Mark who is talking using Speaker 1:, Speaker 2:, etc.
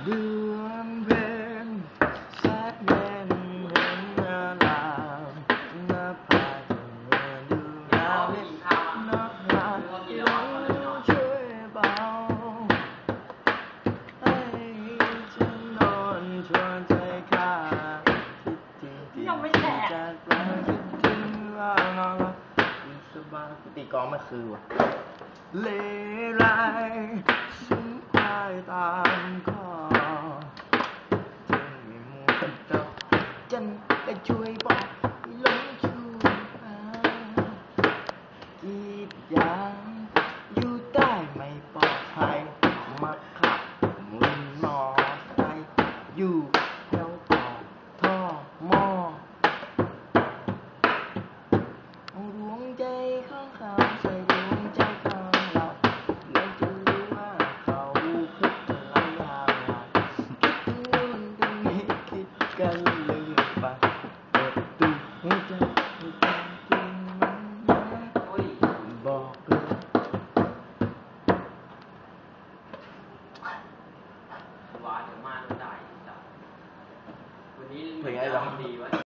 Speaker 1: เดือนเพ็ญแสนเย็นเห็นอารามหน้าผาเมื่อดูดาวเล็กน้องหาช่วยเบาให้ฉันนอนชวนใจข้าคิดที่จากเราคิดถึงว่าน้องสบายตีกลองไม่คือว่ะเลไรฉันพายตามคอจึงไม่มัวแต่จันก็ช่วยบอกลงชูหากีดยางอยู่ใต้ไม่ปลอดภัยมาขับมุนมอไซค์อยู่แถวปากท่อหม้อดวงใจข้างเขาใส่ดวงใจข้างเราแล้วจะรู้ว่าเขาคิดอะไรอย่างไรคิดถึงนู่นถึงนี้คิดกันเลยไปเปิดตูหัวใจให้ความจริงมันนะบอกเลย
Speaker 2: ว่าเดี๋ยวมาโดนด่าอีกจ้ะวันนี้
Speaker 1: เพลงอะไรวะ
Speaker 2: ดีวะ